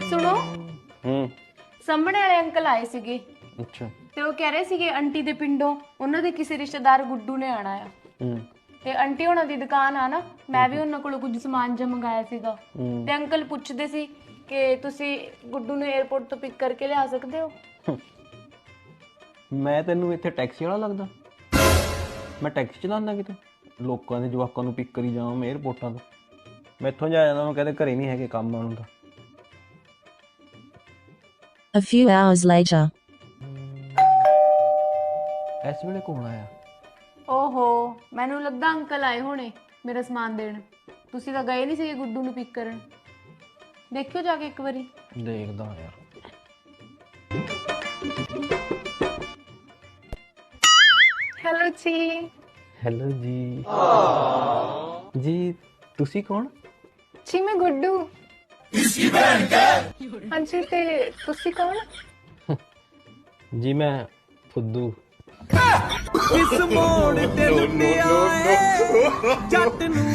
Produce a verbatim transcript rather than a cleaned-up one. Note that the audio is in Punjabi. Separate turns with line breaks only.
ਸੁਣੋ
ਹੂੰ
ਸਾਹਮਣੇ ਵਾਲੇ ਅੰਕਲ ਆਏ ਸੀਗੇ
ਅੱਛਾ
ਤੇ ਉਹ ਕਹਿ ਰਹੇ ਸੀਗੇ ਆਂਟੀ ਦੇ ਪਿੰਡੋਂ ਉਹਨਾਂ ਦੇ ਕਿਸੇ ਰਿਸ਼ਤੇਦਾਰ ਗੁੱਡੂ ਨੇ ਆਣਾ ਆ
ਹੂੰ
ਤੇ ਆਂਟੀ ਉਹਨਾਂ ਦੀ ਦੁਕਾਨ ਆ ਨਾ ਮੈਂ ਵੀ ਉਹਨਾਂ ਕੋਲੋਂ ਕੁਝ ਸਮਾਨ ਜਿਹਾ ਮੰਗਾਇਆ ਸੀਗਾ ਤੇ ਅੰਕਲ ਪੁੱਛਦੇ ਸੀ ਕਿ ਤੁਸੀਂ ਗੁੱਡੂ ਨੂੰ 에어ਪੋਰਟ ਤੋਂ ਪਿਕ ਕਰਕੇ ਲਿਆ ਸਕਦੇ ਹੋ।
ਮੈਂ ਤੈਨੂੰ ਇੱਥੇ ਟੈਕਸੀ ਵਾਲਾ ਲੱਗਦਾ? ਮੈਂ ਟੈਕਸੀ ਚਲਾਉਂਦਾ ਕਿਤੇ ਲੋਕਾਂ ਦੇ ਜਵਾਕਾਂ ਨੂੰ ਪਿਕ ਕਰੀ ਜਾਵਾਂ ਮੈਂ 에어ਪੋਰਟਾਂ ਤੋਂ? ਮੈਂ ਇੱਥੋਂ ਜਾ ਜਾਂਦਾ, ਉਹ ਕਹਿੰਦੇ ਘਰੇ ਨਹੀਂ ਹੈਗੇ, ਕੰਮ ਆਉਣ ਦਾ।
A few hours later.
ਇਸ ਵੇਲੇ ਕੌਣ ਆਇਆ?
ਓਹੋ ਮੈਨੂੰ ਲੱਗਦਾ ਅੰਕਲ ਆਏ ਹੋਣੇ ਮੇਰਾ ਸਮਾਨ ਦੇਣ। ਤੁਸੀਂ ਤਾਂ ਗਏ ਨਹੀਂ ਸੀਗੇ ਗੁੱਡੂ ਨੂੰ ਪਿਕ ਕਰਨ। ਦੇਖਿਓ ਜਾ ਕੇ ਇੱਕ ਵਾਰੀ।
ਦੇਖਦਾ ਯਾਰ।
ਹੈਲੋ ਜੀ।
ਹੈਲੋ ਜੀ। ਜੀ ਤੁਸੀਂ ਕੌਣ?
ਜੀ ਮੈਂ ਗੁੱਡੂ। ਹਾਂਜੀ ਤੇ ਤੁਸੀਂ ਕੌਣ?
ਜੀ ਮੈਂ ਫੁੱਦੂ।
ਇਸ ਮੋੜ ਤੇ ਲੁੱਟਿਆ ਏ ਜੱਟ ਨੂੰ